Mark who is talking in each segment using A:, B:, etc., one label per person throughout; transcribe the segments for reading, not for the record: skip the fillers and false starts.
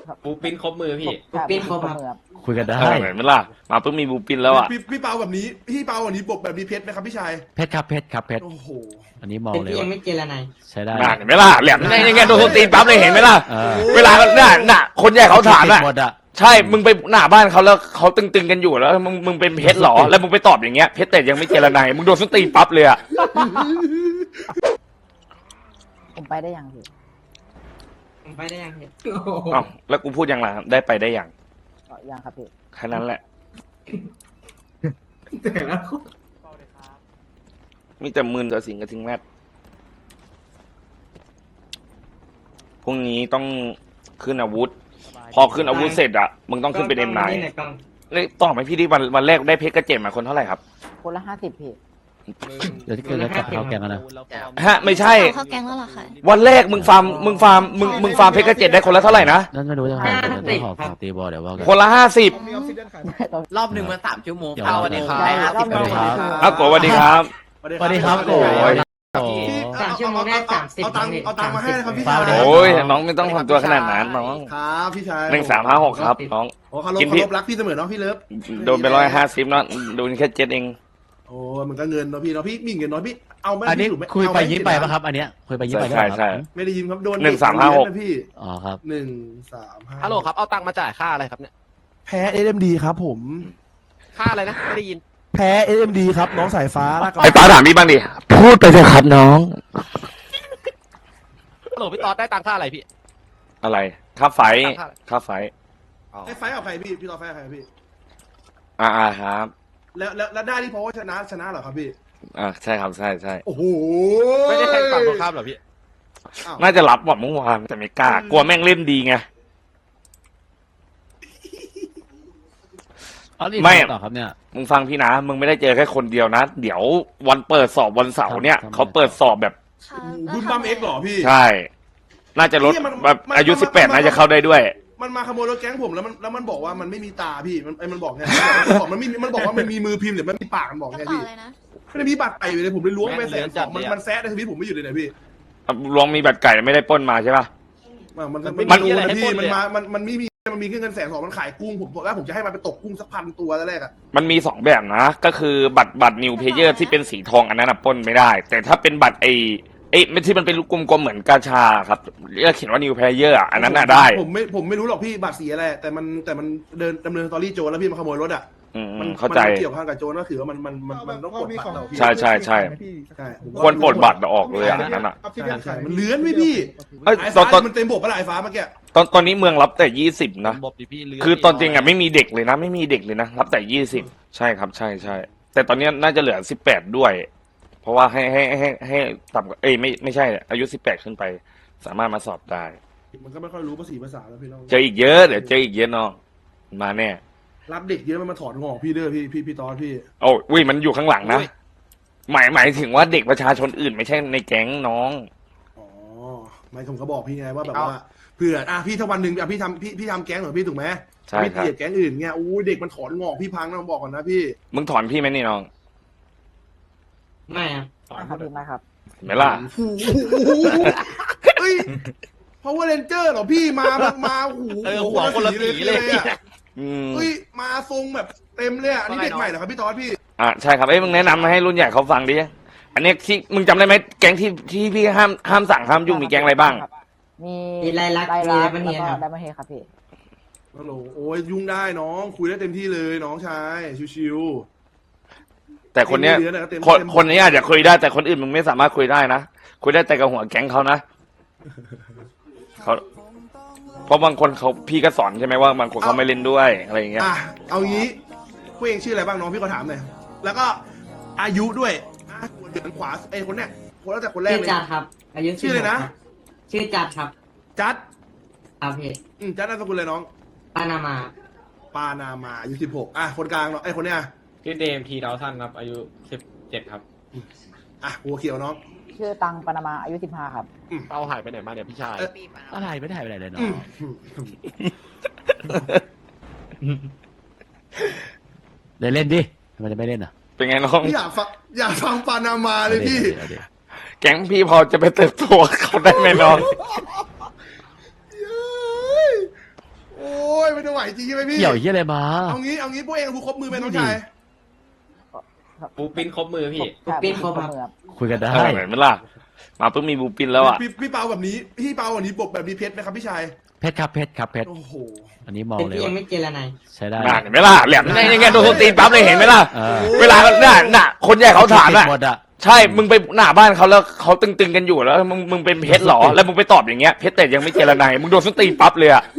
A: ครับ
B: บูปิ้นครบมือพี่
C: ปิ้นครบครับ
A: มือครับ
D: คุยกันได้
E: เห็นไหมล่ะมาเพิ่งมีบูปินแล้วอ่ะ
F: พี่เปาแบบนี้พี่เปาแบบนี้บกแบบนี้เพชรไหมครับพี่ชาย
D: เพชรครับเพชรครับเพชร
F: โอ้โห
D: อันนี้มอง
C: เป็น
D: เลย
C: ที่ยั
D: ว่าง
C: ไม่เจรนาย
D: ใช้ได้
E: น่าเห็นไหมล่ะแหลมยังไงโดนตีปั๊บเลยเห็นไหมล่ะ
D: เออ
E: เวลาน่ะคนใหญ่เขาถาม
D: ติ
E: อ่ะ
D: ดหมดอ่ะ
E: ใช่มึงไปหน้าบ้านเขาแล้วเขาตึงๆกันอยู่แล้วมึงเป็นเพชรหรอแล้วมึงไปตอบอย่างเงี้ยเพชรแต่ยังไม่เจรนายมึงโดนส้นตีนปั๊บเลยอ่ะ
A: ผมไปได้ยังพี่
C: ผมไปได้ยังเห็น
E: อ้าวแล้วกูพูดยังไงได้ไปได้อย่าง
A: ยังครับพี่
E: แค่นั้นแหละ
C: แต่ละคน
E: มีแต่มืนกับสิงกับทิ้งแมทพรุ่งนี้ต้องขึ้นอาวุธ พอขึ้นอาวุธเสร็จอ่ะมึงต้องขึ้นเป็นเอ็มไน
C: กล้อง
E: เลยต่อไหมพี่ที่วันแรกได้เพชรกระเจ็ดมาคนเท่าไหร่ครับ
A: คนละ50พี่
D: เดี๋ยวที่เกิดแล้วจับเข้าแกงกันนะ
E: ฮะไม่ใช่
G: เข้าแก๊งแล้วเหรอคะ
E: วันแรกมึงฟาร์มเพชรกระเจ็ดได้คนละเท่าไหร่นะ
D: นั่นไม่รู้จะหาเดี๋ยวต้องขอตีบอลเดี๋ยวว่ากัน
E: คนละ50
B: รอบหนึ่งมา3 ชั่วโมง
D: เดี๋ยว
B: เข้าวันนี้ครับ
A: ได้
B: ได้
A: ครับ
B: 50
D: สวัสดีครับ
E: อ้าวโกสวัสดีครับ
D: สวัสดีครับโอ้ยโอ้
F: เอาตังค์มาให้นะครับพี่ชาย
E: โอ้ยน้องไม่ต้องทำตัวขนาดนั้นน้อง
F: ครับพี่ชาย
E: 1356ครับน้อง
F: โอ้เขาลบ
E: กินพี่
F: รักพี่เสมอเนาะพี่เลิฟ
E: โดนไป150เนาะโดนแค่7เอง
F: โอ้มันก็เงินเนาะพี่เนาะพี่มีเงินเนาะพี่เอาไหม
D: อันนี้
F: พี่ถูกหม
D: คุยไป
F: เอาห
D: ยิ้มไปป่ะครับ อันเนี้ยคุยไปยิ้มไป
E: ใช่ใช่
F: ไม่ได้ยินครับโดน
E: 1356
F: นะพี่
D: อ๋อครับ
F: 135
B: ฮัลโหลครับ เอาตังค์มาจ่ายค่าอะไรครับเนี่ย
F: แพ้ SMD ครับผม
B: ค่าอะไรนะ ไม่ได้ยิน
F: แพ้ SMD ครับน้องสายฟ้าลากกระ
E: ไอ้ฟ้าถามพี่บ้างดิพูดไปเถอะครับน้อง
B: ฮัลโหลพี่ตอดได้ตังค่าอะไรพี่
E: อะไรค่าไฟ
B: ค่าไฟ
E: ค่าไฟ
F: ไอ้ไฟท์กับใครพี่ตอนไฟท์กับใครพี่
E: ครับ
F: แล้วได้ที่เพราะว่าชนะเหรอครับพี่
E: ใช่ครับใช่ใช่
F: โอ้โห
B: ไม่ได้แทงฝั่งตรงข้ามเหรอพี่
F: อ้าว
E: น่าจะรับหมดเมื่อวานแต่ไม่กล้ากลัวแม่งเล่นดีไง
D: อ๋อนี่
E: ไม่
D: ต่อครับเนี่ย
E: มึงฟังพี่นะมึงไม่ได้เจอแค่คนเดียวนะ เดี๋ยววันเปิดสอบวันเสาร์เนี่ย
D: ครับ
E: เขาเปิดสอบแบบ
G: ค่ะ
F: บุญบัมเอ็กซ์เหรอพี่
E: ใช่ น่าจะลด
F: เหี้ยมัน
E: แบบ
F: มัน
E: อายุ
F: มัน
E: 18น่าจะเข้าได้ด้วย
F: มันมาขโมยรถแก๊งผมแล้วมันบอกว่ามันไม่มีตาพี่มันบอกไงมันบอกว่ามันมีมือพิมพ์หรือมันมีปากมันบอก
G: กระ
F: ไง
G: เป๋า
F: พี่
G: อะไรนะ
F: ไม่ได้มีบัตรไปอยู่เลยผมเลยล้วงไป
B: แม่งเหลือจัด
F: มัน
B: เลยอะ
F: มันแซะในชีวิตผมไม่อยู่เลยนะพี่
E: ลองมีบัตรไก่ไม่ได้ปล้นมาใช่ป่ะ
F: มันรู้นะพี่มันไม่มีมันมีแค่เงิน120,000มันขายกุ้งผมบอกว่าผมจะให้มันไปตกกุ้งสัก1,000 ตัวแรกอะ
E: มันมี2แบบนะ ก็คือบัตรนิวเพเยอร์ที่เป็นสีทองอันนั้นปล้นไม่ได้ แต่ถ้าเป็นบัตรไอ้ไม่ที่มันเป็นลูกกลมๆเหมือนกาชาครับเรียกเขียนว่านิวเพเยอร์อันนั้นน่ะได้
F: ผมไม่รู้หรอกพี่บัตรสีอะไรแต่มันเดินดำเนินสตอรี่โจรแล้วพี่มันขโมยรถอะ
E: เข้าใจ
F: มันเกี่ยวข้องกับโจรก็คือว่ามันต้องกดบัตรเราพี่
E: ใช่ใช่ใช่
F: ใช่
E: ควรปลดบัตรออกเลยอันนั้นอ่ะ
F: ใช่มันเลื้อนพี่
E: เอ้ย
F: ไอ้
E: ตอ
F: ฟ้าน
E: ตอน
F: มันเต็มบกปะล่ะไอ้ฟ้าเมื่อกี้
E: ตอนนี้เมืองรับแต่20นะ
B: บบดิพี่เลื
E: คือตอนจริงอ่ะไม่มีเด็กเลยนะ ไม่มีเด็กเลยนะรับแต่20ใช่ครับใช่ใช่แต่ตอนนี้น่าจะเหลือ18ด้วย เพราะว่าให้ต่ำกว่าไม่ใช่อายุ18ขึ้นไป สามารถมาสอบได้
F: มันก็ไม่ค่อยรู้ภาษาแล้วพี่น้อง
E: เจออีกเยอะเดี๋ยวเจออีกเยอะน้องมาแน่
F: รับเด็กเยอะมันมาถอนงอกพี่เด้อพี่ตอนพี่
E: โอ้อุ้ยมันอยู่ข้างหลังนะหมายถึงว่าเด็กประชาชนอื่นไม่ใช่ในแก๊งน้อง
F: อ๋อไม่ผมก็บอกพี่ไงว่าแบบว่าเผื่อพี่ถ้าวันหนึ่งพี่ทำแก๊งเหรอพี่ถูกไหม
E: ใช่
F: พี่
E: ครับ
F: เกลียดแก๊งอื่นเงี้ยอู้เด็กมันถอนงอกพี่พังนะผมบอกก่อนนะพี่
E: มึงถอนพี่ไหมนี่น้อง
C: ไม่ครับ
A: ครับพี่มาครับ
E: เห็นไหมล่ะ
F: เฮ้ยเพราะว่าเรนเจอร์เหรอพี่มาหู
B: หัวคนละสีเลย
F: อะ
E: อืม
F: เฮ้ยมาทรงแบบเต็มเลยอ่ะอันนี้เด็กใหม่เหรอครับพี่ตอนพี่
E: ใช่ครับมึงแนะนำมาให้รุ่นใหญ่เขาฟังดิอันนี้ที่มึงจำได้ไหมแก๊งที่พี่ห้ามสั่งห้ามยุ่งมีแก๊งอะไรบ้าง
A: มี
C: มีลายลักษณ์มี
A: แล้ว
C: ไดมอนด์เฮดครับ
A: ไดมอนด์เฮดครับพี่
F: ฮัลโหลโอ้ยยุ่งได้น้องคุยได้เต็มที่เลยน้องชายชิว
E: แต่คนเนี้ย
F: เต็มที่เลยนะเต็ม
E: คนนี้อาจจะคุยได้แต่คนอื่นมึงไม่สามารถคุยได้นะคุยได้แต่กับหัวแก๊งเขานะเขาเพราะบางคนเขาพี่ก็สอนใช่ไหมว่าบางคนเขาไม่เล่นด้วยอะไรอย่างเงี้ย
F: อ่ะเอางี้พวกเองชื่ออะไรบ้างน้องพี่ก็ถามหน่อยแล้วก็อายุด้วยเดือนขวาคนเนี้ยคนตั้งแต่คนแรก
C: ชื่อ
F: เลย
C: จัดครับ อายุ
F: ชื่ออะไรนะ
C: ชื่อจัดครับ
F: จัด
C: ครับพี่
F: จัดนามสกุลเลยน้อง
C: ปานามา
F: ปานามาอายุ16อ่ะคนกลางเนาะคนเนี้ย
B: พี่เดมทีดาวซันครับ อายุ17ครับ
F: อ่ะหัวเขียวน้อง
A: ชื่อตังปานามาอายุ15ครับ
B: เอาหายไปไหนมาเนี่ยพี่ชาย
D: อะไรไม่ได้ไปไหนเลยเนาะเล่นดิทำไมจะไม่เล่นอ่ะ
E: เป็นไงน้อง
F: พี่อยากฟังปานามาเลยพี่
E: แก๊งพี่พอจะไปเติบโตกับเขาได้ไหมน้อง
F: ไหวจริงใช่ไหมพี่
D: เกี่ยวเหี้ยอะไรมา
F: เอางี้พวกเองบูครบมือไหมน้องชาย
B: ปูปิ้นครบมือพี่
C: ปิ้นครบครับ
A: มือครับ
D: คุยกันได้
E: เห็นไหมล่ะมาเพิ่งมีบูปินแล้วอ่ะ
F: พี่เปาแบบนี้พี่เปาแบบนี้บกแบบนี้เพชรไหมครับพี่ชาย
D: เพชรครับเพชรครับเพชร
F: โอ้โห
D: อันนี้มอง
C: เป็น
D: เลย
C: ที่ยั
D: ว่าง
C: ไม่เจรนาย
D: ใช้ได้
E: น่าเห็นไหมล่ะแหลมยังไงโดนคนตีนปั๊บเลยเห็นไหมล่ะ
D: เออ
E: เวลาน่ะคนใหญ่เขาถามอ่ะ
D: หมดอ่ะ
E: ใช่มึงไปหน้าบ้านเขาแล้วเขาตึงๆกันอยู่แล้วมึงเป็นเพชรเหรอแล้วมึงไปตอบอย่างเงี้ยเพชรแต่ยังไม่เจรนายมึงโดนส้นตีนปั๊บเลยอ่ะ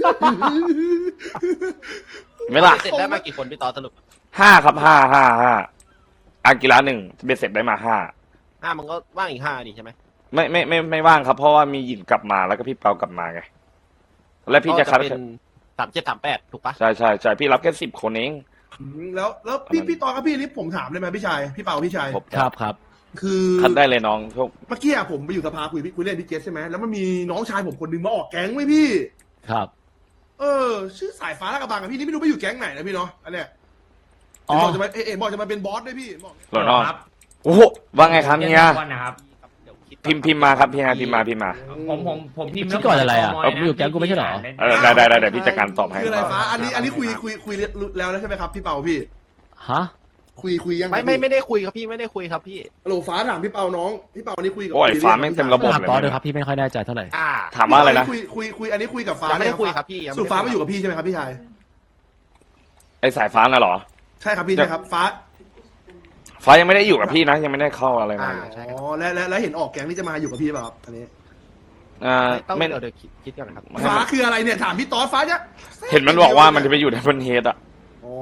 E: เห็นไหมล่ะ
B: เสร็จได้มากี่คนพี่ต่อสรุป
E: 5 ครับ 5อากีฬา1เบ็ดเสร็จได้มา5
B: มันก็ว่างอีก5นี่ใช่ไหม
E: ไม่ว่างครับเพราะว่ามีหยินกลับมาแล้วก็พี่เปากลับมาไงแล้วพี่จะคัด
B: เป็น3738ถูกปะ
E: ใช่พี่รับแค่10 คนเอง
F: แล้วพี่ตอนครับพี่นี่ผมถามได้ไหมพี่ชายพี่เปาพี่ชาย
D: ครับครับ
F: คือ
E: คัดได้เลยน้องพวก
F: เมื่อกี้อะผมไปอยู่สภาคุยเล่นพี่เจสใช่ไหมแล้วมันมีน้องชายผมคนหนึงมาออกแก๊งไว้พี่
D: ครับ
F: ชื่อสายฟ้าลาดกระบังอะพี่นี่ไม่รู้ไปอยู่แก๊งไหนนะพี่เนาะอันเนี้ย
D: อ๋อ
F: บอกจะมาบอกจะมาเป็นบอสด้วยพี่บอก
E: หล่อน้องโอ้โหว่าไงครับเฮีย
G: ก่อนนะครับ
E: พิมพ์มาครับพี่ฮะพิมพ์มา
G: ผมพิมพ์
D: คิดก่อนอะไรอะเอาอยู่แก๊งกูไม่ใช่เหรอ
E: ได้เดี๋ยวพี่จัดการตอบให้
F: คืออะไรฟ้าอันนี้คุยแล้วใช่ไหมครับพี่เปาพี่
D: ฮะ
F: คุยยัง
B: ไม่ได้คุยครับพี่ไม่ได้คุยครับพี่
F: ฮัลโหลฟ้าถามพี่เปาน้องพี่เปาอันนี้คุยกับ
E: โอ้ยฟ้าแม่งเต็มระบบ
D: ถามต่อเลยครับพี่ไม่ค่อยแน่ใจเท่าไหร่
E: ถามว่าอะไรนะ
F: คุยอันนี้คุยกับฟ้า
B: ยังไม่ได้
F: นะ
B: คุยครับพี่ยัง
F: สุฟ้ามาอยู่กับพี่ใช่ไหมครับพี่ชาย
E: ไอสายฟ้าน่ะเหรอ
F: ใช่ครับพี่ใช่ครับฟ้า
E: ฟ้ายังไม่ได้อยู่กับพี่นะยังไม่ได้เข้าอะไรมา
B: ใช่
F: อ๋อแล้วเห็นออกแก๊งนี่จะมาอยู่กับพี่เปล่าครับอันนี้
B: ต้อง
E: ไม่
B: เดี๋ยวคิดก่อนนะครับ
F: ฟ้าคืออะไรเนี่ยถามพี่ต๊อดฟ้าเนี่ย
E: เห็นมันบอกว่ามันจะไปอยู่ในบนเฮดอ่ะ
F: อ๋อ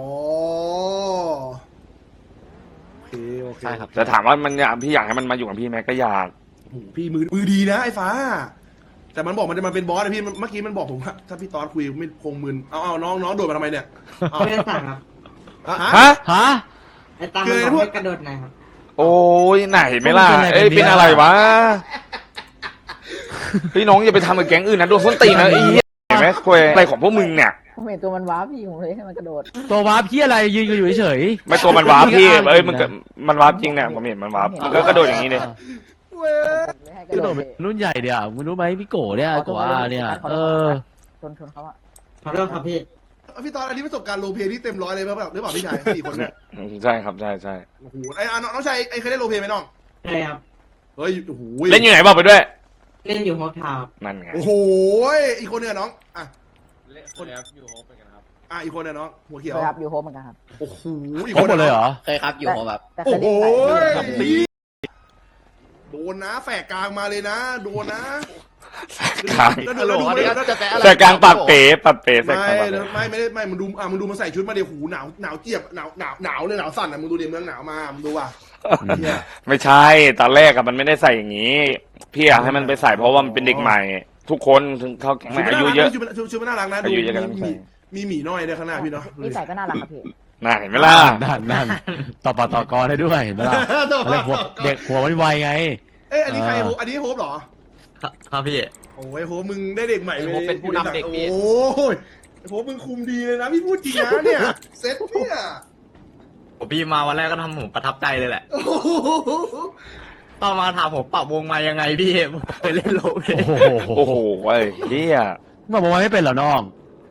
F: โอเค
B: ใช่ครับ
E: แต่ถามว่ามันอยากพี่อยากให้มันมาอยู่กับพี่ไหมก็อยาก
F: โอ้โหพี่มือดีนะไอ้ฟ้า แต่มันบอกมันจะมาเป็นบอสนะพี่เมื่อกี้มันบอกผมว่าถ้าพี่ต๊อดคุยไม่คงมึนเอาน้องโดดมาทำไมเนี่ยเอา
C: ไม่ได้สั่งครับ
F: ฮะ
D: ฮะ
C: ไอ้ตามมันบอกให้กระโดดหน่อยครับ
E: โอ้ยไหนไม่ล่ะ
D: เป็นอะไร
E: เอ้ย
D: กันเนี่ย
E: เป็นอะไรวะพี่น้องอย่าไปทำกับแก๊งอื่นนะโดนส้นตีนนะไอ้เหี้ยเห็นไหมคุยอะไรของพวกมึงเนี่ย
A: ผมเห็นตัวมันว้าพี่ผมเลยให้มันกระโดด
D: ตัววาร์ปพี่อะไรยืนอยู่เฉย
E: ไม่ตัวมันวาร์ปพี่เอ้ยมันวาร์ปจริงเนี่ยผมเห็นมันวาร์ปมันก็กระโดดอย่างนี้เลย
F: เว้ย
A: ผมเลยให้ก
D: กระ
A: ระ
D: โด
A: โด
D: ด
A: ด
D: เป็นรุ่นใหญ่เดียวมึงรู้ไหมพี่โก้เนี่ยโก้อาเนี่ย
A: ชนเขาอะ
C: ขอโทษครับพี่
F: พี่ต๊อดอันนี้ประสบการณ์โรลเพลย์ที่เต็มร้อยเลยหรือเปล่าพี่ชาย4 คนเนี่ย
E: ใช่ครับใช่ใช่
F: โอ้โหไอ้น้องชายเคยได้โรลเพลย์ไหมน้อง
C: ใช่ครับ
F: เฮ้ยโอ้โห
E: เล่นอยู่ไหนบอกไปด้วย
C: เล่นอยู่โฮปทาวน์
E: นั่นไง
F: โอ้โหอีกคนเนี่ยน้องอ่ะ
B: คนครับอยู่โฮปเป็นกันครับ
F: อีกคนเนี่ยน้องหัวเขียว
A: เคยครับอยู่โฮมเหมือนกันครับ
F: โอ้โหอีก
D: ครบ
F: คน
D: หมดเลยเหรอ
H: เคยครับอยู่ผมแบบ
A: แต่เค
F: โอ้
A: ย
F: โห
A: เล่นไป
F: โดนนะแฝกกลางมาเลยนะโดนนะ
E: กลาง
F: แล้ว
B: ฮัลโหล
F: ดู
B: อัน
F: ไม่
B: นี้
F: ได้
B: น่าจะแปะอะไร
E: แต่กลางปัดเป๋ใส่กลางปัดเป๋
F: ไม่มึงดูมันใส่ชุดมาเดี๋ยวหูหนาวเจี๊ยบหนาวเลยหนาวสั่นอ่ะมึงดูเดี๋ยวเมืองหนาวมามึงดูว่ะเหี้ย
E: ไม่ใช่ตอนแรกอะมันไม่ได้ใส่อย่างนี้ พี่อยากให้มันไปใส่เพราะว่ามันเป็นเด็กใหม่ ทุกคนถึงเขาแก๊งใหม่อายุเยอะ
F: ชุดมันน่ารักนะดู
E: อายุเยอะกันไม่ใช่
F: มีหมีน้อยในข้างหน้าพี่เนาะ
A: นิสัยก็น่ารักครับพี่
E: น่าเห็นไหมล่ะ
D: นั่นต่อปากต่อกรได้ด้วยเห็นไหมล่ะอะไรหัวเด็กหัวมันไวไง
F: เอ้ยอันนี้ใครโฮปอันนี้โฮปเหรอ
H: ครับพี่
F: โอ้ยโฮปมึงได้เด็กใหม่เลย
B: โฮปเป็นผู้นำเด็กพี่
F: โอ้ยโฮปมึงคุมดีเลยนะพี่พูดจริงนะเนี่ยเซ็ตเนี่ย
H: ผมพี่มาวันแรกก็ทำผมประทับใจเลยแหละ
F: โอ้โห
H: ตอนมาถามผมปรับวงมายังไงพี่ผมเคยเล่นโลเ
D: โอ้โห
E: โอ้โหไอ้เฮีย
D: มาบอกว่าไม่เป็นเหรอน้อง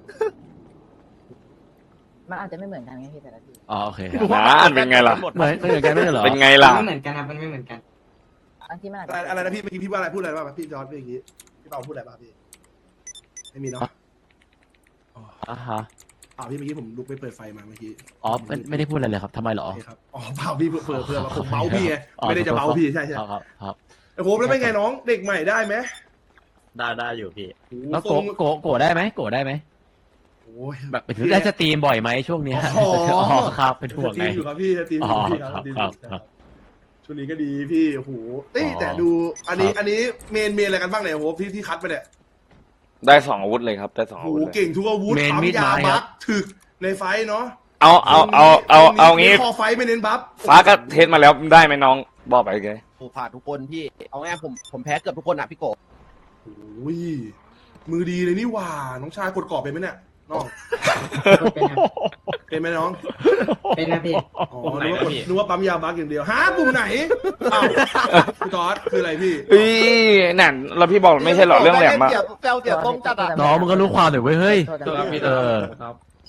A: มันอาจจะไม่เหมือนกันไงพี่แต่ละที่
D: อ๋อโอเค
E: นั่นเป็นไงล่ะ
D: เหมือนกันไม่ใช่เหรอ
E: เป็นไงล่ะ
C: ไม่เหมือนกันครับมันไม่เหมือนกัน
A: บางทีมันอาจ
F: อะไร
A: จะ
F: อะไรนะพี่เมื่อกี้พี่ว่าอะไรพูดอะไรบ้างพี่จอร์ดเมื่อกี้พี่เปาพูดอะไรบ้างพี่ไม่มีเนาะ
D: อ่ะฮะ
F: พี่เมื่อกี้ผมลุกไปเปิดไฟมาเมื่อกี้
D: อ๋อไม่ได้พูดอะไรเลยครับทำไมเหรอ
F: โอเคครับอ๋อเปล่าพี่เพื่อมาผมเมาพี่ไงไม่ได้จะเมาพี่ใช่
D: ครับ
F: ไอ้โฮปแล้วเป็นไงน้องเด็กใหม่ได้ไหม
H: ได้อยู่พี่
D: แล้วโกได้ไหมโกได้ไหม
F: โอ้ย
D: แบบได้สตรีมบ่อยไหมช่วงเนี้ย
F: อ๋อ
D: ครับเป็นห่วง
F: ตี
D: ไง
F: มอยู่ครับพี่ตีมอยู่พี่ครับตีมอยู่ช่วงนี้ก็ดีพี่โอ้โหแต่ดูอันนี้เมนอะไรกันบ้างเนี่ยโฮปที่คัดไปเนี่ย
E: ได้2 อาวุธเลยครับได้2
F: โอ้
E: อา
F: โห
E: วุธเลย
F: เก่งทุกอาวุธปั๊มยาบัฟถึกในไฟเนาะ
E: เอางี้
F: คอไฟไม่เน้นบัฟ
E: ฟ้าก็เทสมาแล้วได้ไหมน้องบอกไปไง
B: ผมผ่านทุกคนพี่เอาง่ายผมแพ้เกือบทุกคนอ่ะพี่โก
F: โอ้ยมือดีเลยนี่หว่าน้องชายกดกรอบเป็นไหมเนี่ยน้อง
C: เป็นครับ
F: เป็นไหมน้อง
C: เป็นนะพี่
F: อ๋อนึกว่าปั๊มยาบัฟอย่างเดียวฮะปุ่มไหนอ้าวพี่ตอดคืออะไรพี่
E: นั่นแล้วพี่บอกไม่ใช่หรอเรื่องแหลมอะ
B: แปลวเสียต้มจัดอ่ะ
D: น้องมึงก็รู้ความหน่อยเว้ยเฮ้ย
A: โทษนะพี่
D: เออ
B: ครับ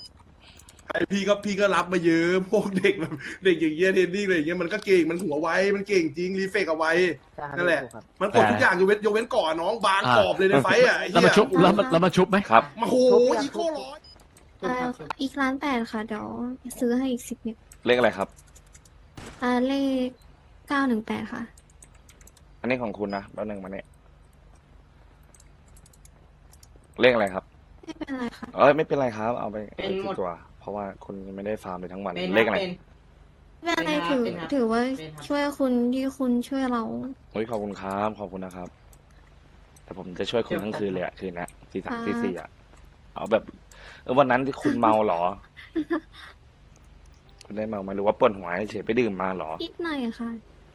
F: พี่ก็รับมาเยอะพวกเด็กแบบเด็กอย่างเงี้ยเทรนนิ่งอะไรอย่างเงี้ยมันก็เก่งมันหัวไวมันเก่งจริงรีเฟกเอาไว้
A: ใช่ครับ
F: นั่นแหละ
A: ถูกครับ
F: มันกดทุกอย่างยกเว้นก่อนน้องบางกรอบเลยในไฟต์อ่ะไอ้
D: แล้ว
F: เหี้
D: มาย ชุบแล้วมาชุบไหม
E: ครับ
F: มาโหอีโก้ร้อย
G: อีก1,800,000ค่ะ เดี๋ยวซื้อให้อีก10 นิด
E: เลขอะไรครับ
G: เลข918ค่ะ
E: อันนี้ของคุณนะแป๊บนึงมาเนี่ยเลขอะไรครับ
G: ไม่เป็นไรค่ะ
E: เอ้ยไม่เป็นไรครับ เอาไป
C: เป็นหมด
E: ตัว เพราะว่าคุณยังไม่ได้ฟาร์มเลยทั้งวัน
C: เป็น
E: เลขอะไร
C: เป็น
G: ไม่เป็นไร
C: เป็นครับเป็นครับ
G: ถือว่า
C: เป็นครับ
G: ช่วยคุณที่คุณช่วยเรา
E: โอ้ยขอบคุณครับขอบคุณนะครับ แต่ผมจะช่วยคุณทั้งคืนเลยอะคืนนะตีสามตีสี่อะเอาแบบวันนั้นที่คุณเมาเหรอ คุณได้เมาไหมหรือว่าปวดหัวเฉยๆไปดื่มมาเหรอ
G: นิดหน่อยค่ะ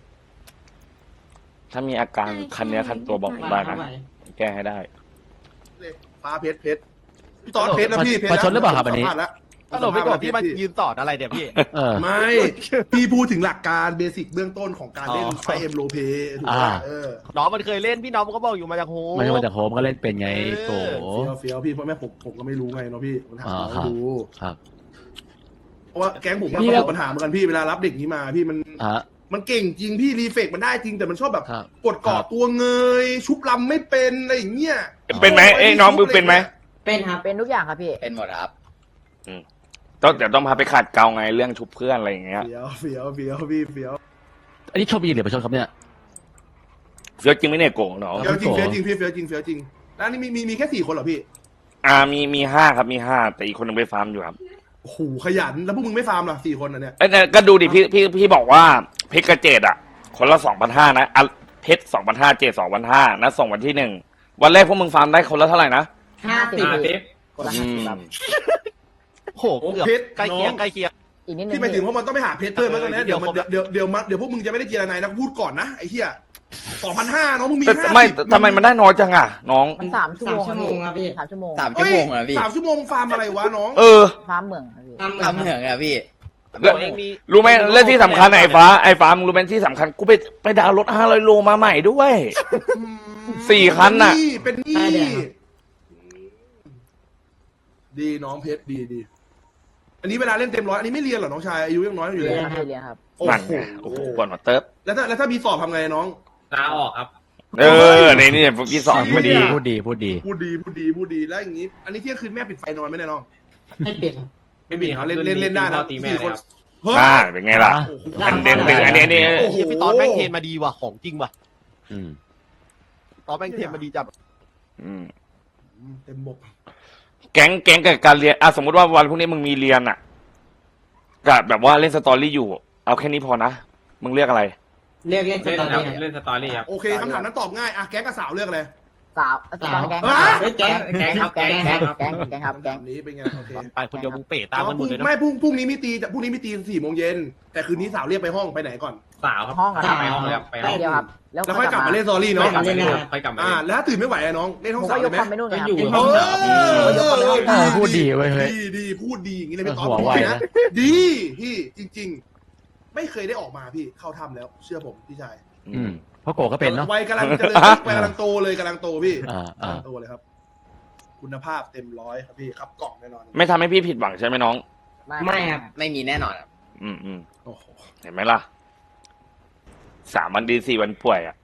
E: ถ้ามีอาการ
G: ใช่
E: คันเนี้ยคันตัวบอกผมได้นะ แก้ให้ได้
F: ฟ้าเพชรพี่ตอนเพชรนะพี่เพชร
D: มาชนหรือเปล่าครับอันนี้
F: สัมภาษณ์แล้ว
B: ฮัลโหลพี่กบพี่มายืนต่ออะไรเดี๋ยวพี่
D: เออ
F: ไม่ พี่พูดถึงหลักการเบสิกเบื้องต้นของการเล่น
B: อ๋อ
F: ไฟเอ็มโลเปถูกไหม
D: อ่า
F: เ
B: น้องมันเคยเล่นพี่น้องมันก็บอกอยู่มาจากโฮ
D: ไม่ใช่มาจากโฮมก็เล่นเป็นไงโต
F: เฟี้ยวพี่เพราะแม่ผมก็ไม่รู้ไงเนาะพี่ผมถาม
D: อ่า
F: น้อง
D: ครับ
F: ดู
D: ครับ
F: เพราะว่าแก๊งผมก็
D: พี่
F: ประสบปัญหาเหมือนกันพี่เวลารับเด็กนี้มาพี่มัน
D: ฮะ
F: มันเก่งจริงพี่รีเฟกมันได้จริงแต่มันชอบแบบ
D: ครับ
F: กดเกาะตัวเงย ชุบลำไม่เป็นอะไรอย่างเงี้ย
E: เป็นไหมเอ้ยน้องมึงเป็นไหม
C: เป็นครับ
A: เป็นทุกอย่างครับพี่
H: เป็นหมดครับ
E: ต้องเดี๋ยวต้องพาไปขัดเกลาไงเรื่องชุบเพื่อนอะไรอย่างเงี้ย
F: เฟี้ยวพี่เฟี้ยว
D: อันนี้ชอบยิงหรือไม่ชอบครับเนี่ย
E: เฟี้ยวจริงไหมเนี่ยโกงน้อง
F: เฟี้ยวจริงพี่เฟี้ยวจริงแล้วนี่มีแค่4 คนเหรอพี่
E: มีห้าครับมีห้าแต่อีกคนหนึงไปฟาร์มอยู่ครับ
F: โอ้โหขยันแล้วพวกมึงไม่ฟาร์มเหรอ4 คนน่ะเนี่ย
E: เอ้ยเนี่ยก็ดูดิพี่บอกว่าเพชรกระเจดอ่ะ คนละ2,500นะอ่ะเพชร2,500เจด2,500นะส่งวันที่1วันแรกพวกมึงฟาร์มได้คนละเท่าไหร่นะ
A: 50คนละ
E: อื
A: 50
E: ม
A: ครับ
B: โหเกือบ
F: เพชร
B: ใกล้เคียง
F: น้อง
B: ใกล้เคียง
A: อีกนิดนึง
F: ที่หมายถึงว่ามันต้องไปหาเพชรเพิ่มแล้วตอนนี้
B: เดี๋ยว
F: เดี๋ยวพวกมึงจะไม่ได้เจรนายนะพูดก่อนนะไอ้เหี้ย2,500น้องมึงมี
E: แต่
F: 50
E: ไม่ทำไมมันได้น้อยจังอ่ะ น้อง
A: มัน3 ชั่วโมง
C: 3 ชั่วโมงครับพี่
A: 3 ชั่วโมง
H: 3 ชั่วโมงเหรอพี่
F: 3 ชั่วโมงฟาร์มอะไรวะน้อง
E: เออ
A: ฟาร์มเหมืองครับพี่
C: ทำเหมือน
H: ทำเหมืองอะพี่
E: แล้ว
B: เองมี
E: รู้ไหมเรื่องที่สำคัญไอ้ฟ้ามึงรู้ไหมที่สำคัญกูไปดาวน์รถ500 โลมาใหม่ด้วย 4 คันน่ะ
F: เป็นหนี้ดีน้องเพชรดีอันนี้เวลาเล่นเต็มร้อยอันนี้ไม่เรียนเหรอน้องชายอายุยังน้อยอยู่เลย
A: เรียนครับเรียนครับ
F: โอ้
E: นั่น
F: โห
E: ไงโอ้โหก่อนมาเติบ
F: แล้วถ้ามีสอบทำไงน้อง
B: ลาออกครับ
E: นี่พวกพี่สอนพอดี
D: พูดดี
F: พูดดีแล้วอย่างนี้ อันนี้เที่ยงคืนแม่ปิดไฟนอนไหมเนี่ยน้อง
C: ให้เปลี่ยนครับ
B: ไม่มีครับ
F: เล่นได้นะ
B: ตีแม่
F: 4 คน
B: ครับ
F: เฮ้ย
E: เป็นไงล่ะ
F: โอ้โห
E: อันเด่นอันนี้
F: โอ้โห
B: เฮียพี่ตอนแม่งเทรนมาดีว่ะของจริงว่ะ
D: อืม
B: ตอนแม่งเทรนมาดีจับ
F: เต็มบก
E: แก๊งกับการเรียนสมมติว่าวันพรุ่งนี้มึงมีเรียนอ่ะกับแบบว่าเล่นสตอรี่อยู่ เอาแค่นี้พอนะ มึงเรียกอะไร
C: เรียกเล่นสตอรี่ครับ
B: เล่นสตอรี่ครับ
F: โอเคคำถามนั้นตอบง่ายอ่ะแก๊งกับสาวเลือกอะไร
A: สาวตอนแก๊ง
C: เฮ้ยแก๊ง
B: แก๊งครับ
A: แก๊ง
B: แก๊ง
A: แก๊งแก๊งครับแก๊ง
F: แบบนี้เป็นไงโอเค
B: ไปคนเดียวมึงเป๋ตามกันหมดเลยนะ
F: ไม่พรุ่งนี้มีตี4 โมงเย็นแต่คืนนี้สาวเรียกไปห้องไปไหนก่อน
B: สาวครับ
A: ห้องอะครับ
B: ไปห้องเลยครับไปห้
A: แป๊
B: อบ ง
A: เดียวครับ
F: แล้วค่อยกลับมาเล่นสตอรี่เนาะ
B: ค่อยกลับมาเล่นครับค่อยกลับมาเล่น
F: แล้วถ้าตื่นไม่ไหวอะน้องเล่น
A: ผ
F: ห้อง
A: ม
F: สา
A: ก็
F: วย ได้
A: ก
F: ไหม
A: คอมไปนู่นเลยครับ
C: อยู่
D: พูดดีเว้ยเฮ้ย
F: ดีพูดดีอย่างนี้เลยพี่ต๊อด
D: หัวไว
F: ดี
D: นะ
F: ดีพี่จริง ๆ ไม่เคยได้ออกมาพี่เข้าถ้ำแล้ว เชื่อผมพี่ชาย
D: อืมเพราะโกก็เป็นเนาะ
F: วัยกำลังเจริญวัยกำลังโตเลยกำลังโตพี่
D: อ่าก
F: ำลังโตเลยครับ คุณภาพเต็มร้อยครับพี่ขับกล่องแน่นอน
E: ไม่ทำให้พี่ผิดหวังใช่ไหมน้อง
C: ไม่ครับ
H: ไม่มีแน่นอนครับ
E: อืม
F: โอ้โห
E: เห็นไหมล่ะ3 วันดี 4 วันป่วยอ่ะ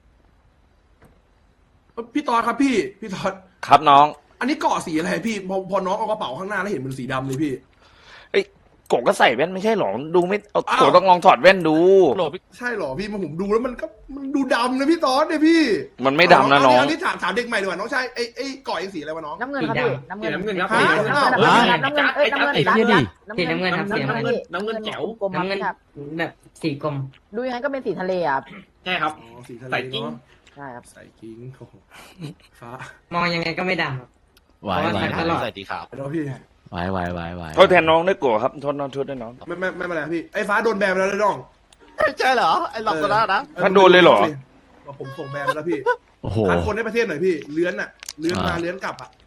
F: พี่ต๊อดครับพี่ต๊อด
E: ครับน้อง
F: อันนี้เกาะสีอะไรพี่พอน้องเอากระเป๋าข้างหน้าแล้วเห็นมันสีดำเลยพี่
E: โกก็ใส่แว่นไม่ใช่หรอดูไม่เอา
F: อ้าว
E: โกต้องลองถอดแว่นดู
B: โหลพี่
F: ใช่เหรอพี่ผมดูแล้วมันดูดำนะพี่ต๊อดเนี่ยพี่
E: มันไม่ดำนะน้อง
F: อันนี้ถามเด็กใหม่ดีกว่าน้องชายไอ้เกาะเองสีอะไรวะน้อง
A: น้ำเงินครับพี่น้ำเงิน
B: น้ำเงินครับ
F: ฮะ
A: น้ำเงินเอ้ยน้ำเงิน
D: ไอ้เหี้ยดิ
C: สีน้ำเงินครับสีน้ำเงิน
B: น้ำเงินแจ๋ว
A: กลม
C: น้ำเงิน
A: ครับ
C: แบบสีกลม
A: ดูยังไงก็เป็นสีทะเลอ่ะ
B: ใช่ครับ
F: อ๋อสีทะเล
B: ใส่กิ้ง
F: เนาะ
A: ใช่ครับ
F: ใส่กิ้งโอ้โหฟ้าม
C: องยังไงก็ไม่ดำครับ
D: ไหวไหว
C: ตลอด
B: ใส่สีขาว
F: เดี๋ยวพี่
D: ไหว
E: โทษแทนน้องด้วยโกครับโทษน้องด้วยน้อง
F: ไม่เป็นไรพี่ไอ้ฟ้าโดนแบนไปแล้วเลยน้อง
B: ใช่เหรอไอ้หลอกตัวนั้นนะ
E: ท่านโดนเลยเหรอ
F: ผมส่งแบนไปแล้วพี่
D: โอ้โห
F: คัดคนในประเทศหน่อยพี่เลื้อนเลื้อนมาเลื้อนกลับอ่ะ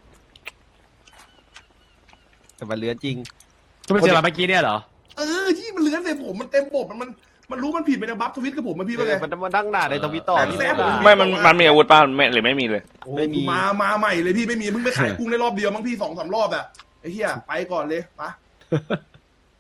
B: แต่มันเลื้อนจริง
D: ก็ไปเจอมาเมื่อกี้เนี่ยเหรอ
F: ที่มันเลื้อนใส่ผมมันเต็มบบมันรู้มันผิดไปนะบัฟทวิตกับผมมาพี่ว่าไง
B: มันมานั่งหน้าในทวิตต่อ
F: แซะผม
E: ไม่มันมีอาวุธป่ะไม่หรือไม่มีเลย
F: โอ้มาใหม่เลยพี่ไม่มีเพิ่งไปขายกุ้งได้รอบเดียวมั้งพี่2-3 รอบอ่ะไอ้เหี้ยไปก่อนเลยปะ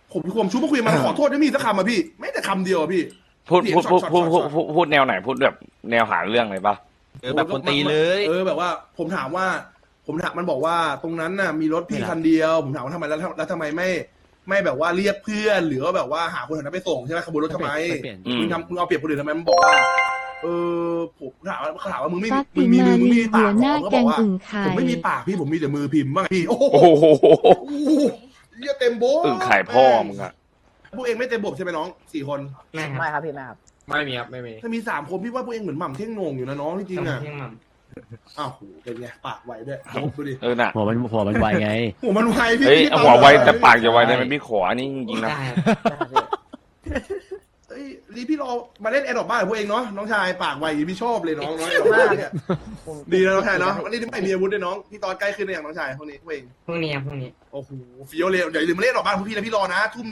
F: ผมชุบมาคุยมันขอโทษไม่มีสักคำอ่ะพี่ไม่แต่คำเดียวอ่ะพี่
E: พูด
F: เสียง
E: พูด
F: ช็อต
E: พูด
F: ช็อต
E: พูดพูดพูดแนวไหนพูดแบบแนวหาเรื่องเลยปะ
B: แบบคนตีเลย
F: แบบว่าผมถามมันบอกว่าตรงนั้นน่ะมีรถพี่คันเดียวผมถามว่าทำไมแล้วทำไมไม่แบบว่าเรียกเพื่อนหรือว่าแบบว่าหาคนแถวนั้นไปส่งใช่ไหมขบวนรถทำไม
D: เปลี่ยน
E: อืม
F: มึงเอาเปรียบคนอื่นทำไมมันบอกว่าผมถามว่ามึงไม่
G: ซัก
F: มึ
G: ติ
F: งมี
G: มา
F: มือมึง
G: รี
F: มี
G: หั
F: ปาก
G: วหน้า
F: ก็
G: แก
F: บอก
G: ง
F: ว่า
G: อึ่งไข่
F: ผมไม่มีปากพี่ผมมีแต่มือพิมพ์บ้างพี่โอ้โห
E: โอ้โห
F: เหี้ยเต็มโบ๊ะ
E: อึ่งไข่พ่อมึงอะ
F: พวกเองไม่เต็มบบใช่ไหมน้อง4 คน
C: ไม่ค
A: ไม่
C: รับ
A: ครับพี่ไม่ครับ
H: ไม่มีครับไม่มี
F: ถ้ามี3 คนพี่ว่าพวกเองเหมือนหม่ำเท่งโหนงอยู่นะน้องจริงๆอ่ะ
C: เที่ยงหม่
F: อ้าวโหเป็นไงปากไวด้วยดูดิ
E: น่ะ
D: หัวมันไวไง
F: หัวมันไวพี่
E: เฮ้ย
F: พี่
E: หัวไวแต่ปาก
F: เ
E: จะไวได้ไหมพี่ขออันนี้จริงๆ
C: ำ
E: นะ
C: ได้ครับ
A: ได้ครับพี่
F: เอ้ยรีพี่รอมาเล่นแอดดอกบ้านกับพวกเองเนาะน้องชายปากไวอย่างนี้พี่ชอบเลยน้องน้องแอดดอกบ้านเนี่ย
A: ผม
F: ดีนะน้องชายเนาะวันนี้ไม่มีอาวุธด้วยน้องพี่ตอนใกล้ขึ้นในอย่างน้องชายพวกนี้พวกเอง
C: พรุ่งนี้ครับพรุ่งนี้
F: โอ้โหเฟี้ยวเลยเดี๋ยวอย่าลืมมาเล่นดอกบ้านพวกพี่นะพี่รอนะทุ่ม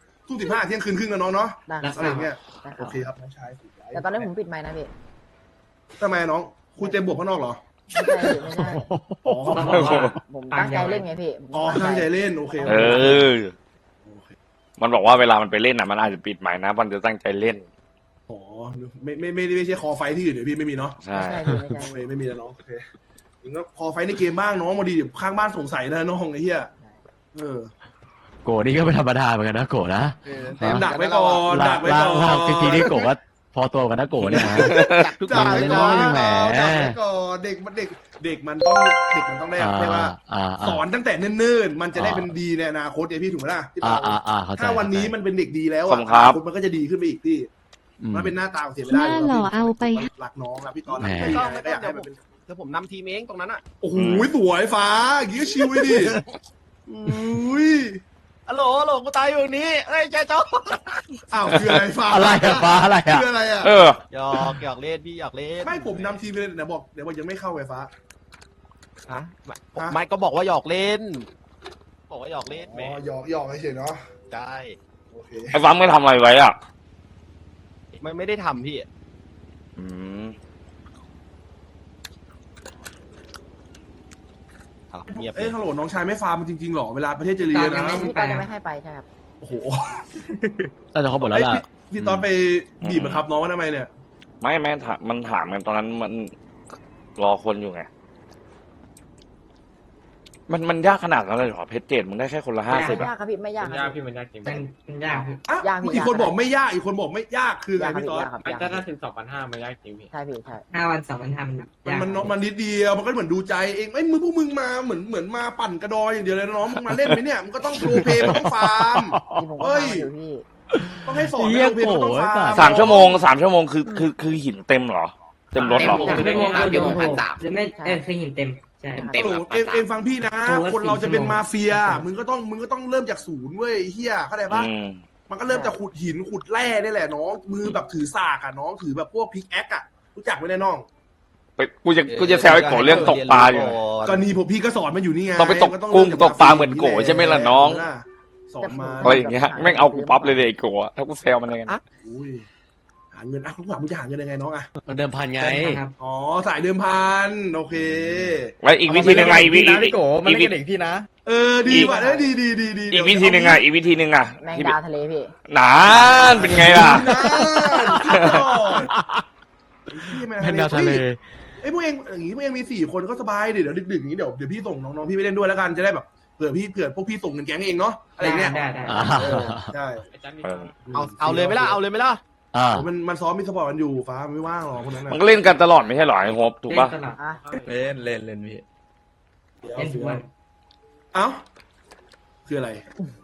F: 15 เที่ยงคืนครึ่งนะน้องเนาะ
A: ได้ค
C: รั
A: รั
C: บบ
F: อะไรอย่างเงี้ย
A: ได้ค
F: โอ
A: รับ
F: เคครับน้องชาย
A: แต่ตอนนี้ผมปิดไมค์นะพี่
F: ทำไมน้องคุยเต็มบวกข้างนอกเหรอ
A: ไม่ใช่พี่ไม่ใช่
F: อ๋อ
C: ต้องบอกว่า
A: ผมตั้งใจเล่นไงพี่ผม
F: อ๋อตั้งใจเล่นโอเค
E: เออ มันบอกว่าเวลามันไปเล่นน่ะมันอาจจะปิดหมายนะมันจะตั้งใจเล่น
F: อ๋อไม่ใช่คอไฟที่อื่นเดี๋ยวพี่ไม่มีเนาะ
E: ใช่
A: ไม่ใช่พี่ไม่ใช่
F: ไม่มีแล้วน้องโอเคมึงก็คอไฟในเกมบ้างน้องมาดีเดี๋ยวข้างบ้านสงสัยนะน้องไอ้เหี้ย
D: โกนี่ก็ไม่ธรรมดาเหมือนกันนะโกนะ
F: ดักไว้ก่อนดักไว้ก่อน
D: ล่างทีนี่โกก็พอตัวกันนะโกเนี่ยนะ
B: ทุกอ
F: ดั
B: ย่าก ง
F: ไว้
B: เลย
F: ก่อ
B: เนาะ
F: น
D: แหม
F: ดักไว้ก่อนเด็กมันต้องได้ใช่ว่าสอนตั้งแต่เนิ่นๆมันจะได้เป็นดีในอนาคตไงพี่ถูกไหมล่ะพี่ต๋อ
D: เข้าใจ
F: ถ้าวันนี้มันเป็นเด็กดีแล้ว
E: ขอบคุณครับ
F: มันก็จะดีขึ้นไปอีกพี่มันเป็นหน้าตาเสียไม่
G: ห
F: ได้
G: น้าหล่อเอาไป
F: หลักน้องอะพี่ตอน
D: แหม
F: ก็อยากให้มันเป็น
B: เดี๋ยวผมนำทีมเองตรงนั้นอ่ะ
F: โอ้โหสวยฟ้าอย่างงี้ก็ชิวเลยดิอุ้ย
B: ฮัลโหลกูตายอยู่ตรงนี้เอ้ยแกจ้า
F: อ้าวคืออะไรฟ้า
D: อะไรอะฟ้าอะไรอะ
F: คืออะไรอะ
E: เออ
B: หยอกเล่นพี่หยอกเล่น
F: ไม่ผมนำทีมไปเลยเดี๋ยวบอกยังไม่เข้าไฟฟ้า
B: ฮะไม่ก็บอกว่าหยอกเล่น บอกว่าหยอกเล่นแหม
F: อ๋อหยอกเฉยๆเนาะ
B: ได้
F: โอเค
E: ไอ้ฟังไม่ทำอะไรไว้อ่ะ
B: ไม่ได้ทำพี่
E: อืม
B: เงียบ
F: เอ้ยฮัลโหลน้องชายไม่ฟาร์มจริงๆหรอเวลาประเทศจะเรียนนะ
A: พี่ตอนยังไม่ให้ไปใช่ครับ
F: โอ้โห
D: น่าจะเขาหมดแล้วล่ะ
F: พี่ตอนไปบีบบังคับน้องว่าทำไมเนี่ย
E: ไม่ถามมันถามกันตอนนั้นมันรอคนอยู่ไง มันยากขนาดนั้นเลยเหรอเพชรเจ็ดมึงได้แค่คนละ
A: ไม่
E: 50
A: ยา
E: อ่ะ
A: กครับพี่ไม่ยาก
H: มัน
A: ค
H: ยา
A: รั
H: ก
A: บ
H: พี่มันยากจริง
C: มันยากพี่
F: อ่ะ
A: ยากพี่
F: อีกคน
A: ยาก
F: บอกไม่ยากอีกคนบอกไม่ยากคืออะไร
A: ยากครับ
F: พี่ตอน
A: ยากครับ
H: มัน
A: ยาก
H: ก็ถ้าถึง2,500มันยากจริงพี่
A: ใช่พี่ใช่
C: 5 วัน2 วันทำยาก
F: มันนิดเดียวมันก็เหมือนดูใจเองไอ้ยพวกมึงมาเหมือนมาปั่นกระดอยอย่างเดียวเลยนะน้องมึงมาเล่นไหมเนี่ยมึงก็ต้องโรลเพลย์มันต้องฟาร์ม
A: ที่ผมก็
F: เฮ้ย
A: ทำอยู่พี่
F: ต้องให้สอน
D: เหี้ย
F: โรลเพลย์มันต้องฟาร์ม
E: 3 ชั่วโมงคือหินเต็มเหรอ เต็มรถเหรอ
C: 3 ชั่วโมงเดี๋ยว1,300หรือไม่คือหินเต็มใช่
F: โอ้โหเองฟังพี่นะ คนเราจะเป็นมาเฟีย มึงก็ต้องเริ่มจากศูนย์เว้ยเฮียเข้าใจปะ
E: อืม
F: มันก็เริ่มจากขุดหินขุดแร่นี่แหละน้องมือแบบถือสากอะน้องถือแบบพวกพิกแอคอะรู้จักไหมเนี่ยน้อง
E: กูจะแซวไอ้โกเรื่องตกปลาอยู่
F: ก็นี่ผมพี่ก็สอนมันอยู่นี่ไง
E: ต้องไปตกกุ้งตกปลาเหมือนโกใช่ไหมล่ะน้อง
F: สอนมา
E: อะไรอย่างเงี้ยแม่งเอากูปั๊บเลยไอ้โกะถ้ากูแซวมันยังไง
F: อุ้ยหาเงินคุณหวังมึงจะหาเงินยังไงน้องอะ
D: มันเดิมพันไง
C: ครับ
F: อ๋อสายเดิมพันโอเค
E: แล้วอีกวิธีหนึ่งไงอีกวิ
H: นะพี่โกมันเล่นกับเด็กพี่นะ
F: ดีว่ะดี
E: อีกวิธีหนึ่งอ่ะอีกวิธีหนึ่งอ่ะ
A: แมงดาทะเลพี่
E: นานเป็นไงล่ะ
D: เป็นดาวทะเล
F: ไอ้พวกเองอย่างงี้พวกเองมี4 คนก็สบายดิเดี๋ยวดึกๆอย่างนี้เดี๋ยวพี่ส่งน้องๆพี่ไปเล่นด้วยแล้วกันจะได้แบบเผื่อพวกพี่ส่งเงินแก๊งเองเนาะอะไรเงี้ย
C: ได้
F: ใช่
H: อาจารย์มี
E: เออ
B: เอาเลยไหมล่ะเอาเลยไหมล่ะ
F: มันซ้อมมีสปอร์ตกันอยู่ฟ้ามันไม่ว่างหรอกคนนั้น
E: มันก็เล่นกันตลอดไม่ใช่หรอไอ้โฮปถูกปะ
C: เล่นตลอด
A: อ่ะ
H: เล่นพี่
C: เล่นทุกวัน
F: เอ้าคืออะไร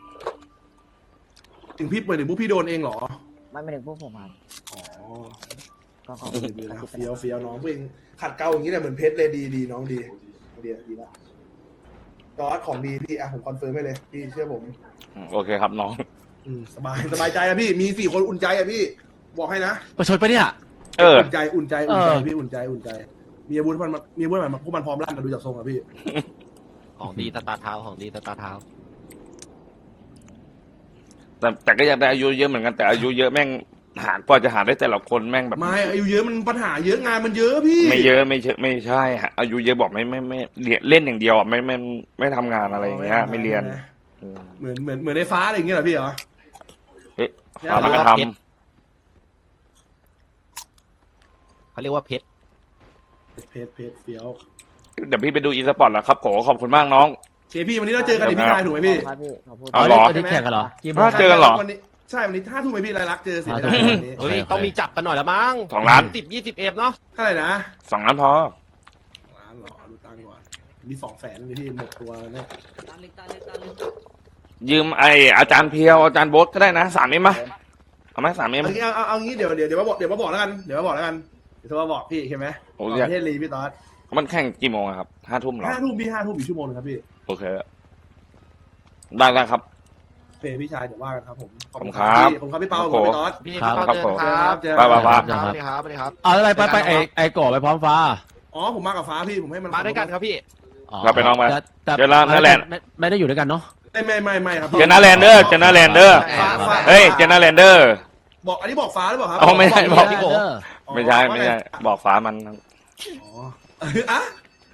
F: ถึงพี่เปิดถึงพวกพี่โดนเองเหรอ
A: ไม่ถึงพวกผมครับ
F: อ๋อ
A: ก็ขอบ
F: ดีแล้วเฟี้ยวน้องพวกเองขัดเกลาอย่างนี้เนี่ยเหมือนเพชรเลยดีน้องดีละจอร์ดของดีพี่ผมคอนเฟิร์มให้เลยพี่เชื่อผม
E: โอเคครับน้อง
F: สบายใจอะพี่มี4 คนอุ่นใจอะพี่บอกให้นะ
D: ประชดปะเนี่ย
E: เออ
F: อุ่นใจพี่อุ่นใจมีอาวุธมันพวกมันพร้อมลั่นกันดูจากทรงอะพี่
B: ของดีตาเท้าของดีตาเท้า
E: แต่ก็อยากได้อายุเยอะเหมือนกันแต่อายุเยอะแม่งหากว่าจะหาได้แต่ละคนแม่งแบบ
F: ไม่อายุเยอะมันปัญหาเยอะงานมันเยอะพี่
E: ไม่เยอะไม่ใช่ฮะอายุเยอะบอกไม่เล่นอย่างเดียวอ่ะไม่ทำงานอะไรอย่างเงี้ยไม่เรียนอืม
F: เหมือนในฟ้าอะไรอย่างเงี้ยเหรอพี่เหรอ
E: เอ๊ะ
F: ใช่
E: ฟ้ามันก็ท
B: เขาเรียกว่าเพชร
F: เพจเฟี้ยว
E: ำเดี๋ยวพี่ไปดูอีสปอร์ตแล้วครับโกขอบคุณมากน้อง
F: เคพี่วันนี้เราเจอกันดิพี่ชายถูกไหมพี่
A: ครับพี่ขอพูด
E: เอาเหรอ
D: วันนี้แข่งกันเหรอกี่โมง
E: เจอกันเหรอ
F: วันนี้ใช่วันนี้5 ทุ่มไหมพี่รายลักษณ์เจอเสียดาย
D: 5 ทุ่ม
F: วันนี้
B: เฮ้ย
D: โอเค
B: ต้องมีจับกันหน่อยละมั้ง
E: 2 ล้าน
B: 10-20 เนาะ
F: เท่าไหร่นะ
E: 2 ล้านพอ
F: ล้านเหรอดูตังค์ก่อนมี200,000เลยพี่หมดตัวเนี่ย
E: ยืมไออาจารย์เพียวอาจารย์โบ๊ทก็ได้นะ3 เอ็มไหมเอาไหม3 เอ็ม
F: เอางี้เดี๋ยวมาบอกแล้วกันเดี๋ยวโทรมาบอกพี่ใช่ไหม
E: โอ้
F: ป
E: ย
F: ระเทศลีพี่ต๊อด
E: มันแข่งกี่โมงอะครับ5 ทุ่มเหรอ
F: 5 ทุ่มพี่5 ทุ่มอีกชั่วโมงนึงครับพี่
E: โอเคได้ครับ
F: โอเคพี่ชายเดี๋ยวว่ากันครับผม
E: ขอบคุณครับ
F: พี่ผมครับพี่เปาผมพี่ต๊อด
B: พี่
D: ครับ
B: เข้าเจอครับ
F: เจอ
E: ไป
B: สวัสดีครับสวัสดีครับ
D: เอาอะไรไปไอ้ก่อไปพร้อมฟ้า
F: อ๋อผมมากับฟ้าพี่ผมให้มัน
B: มาด้วยกันครับพี่
D: อ๋อ
E: เราไปน้องไป
D: แต่
E: เจอแล้วนั่นแหละ
D: ไม่ได้อยู่ด้วยกันเนาะ
F: ไม่ครับ
E: เจน่าแลนเดอร์เจน่าแลนเดอร์
F: ฟ้า
E: เฮ้ยเจน่าแลนเดอร์
F: บอกอันนี้บอกฟ้าหรือเปล่าครับ
E: อ๋อไม่ใช่บอก
B: พี่โก
F: อ๋อ
E: ไม่ใช่บอกฟ้ามัน
F: อ๋ออ่ะ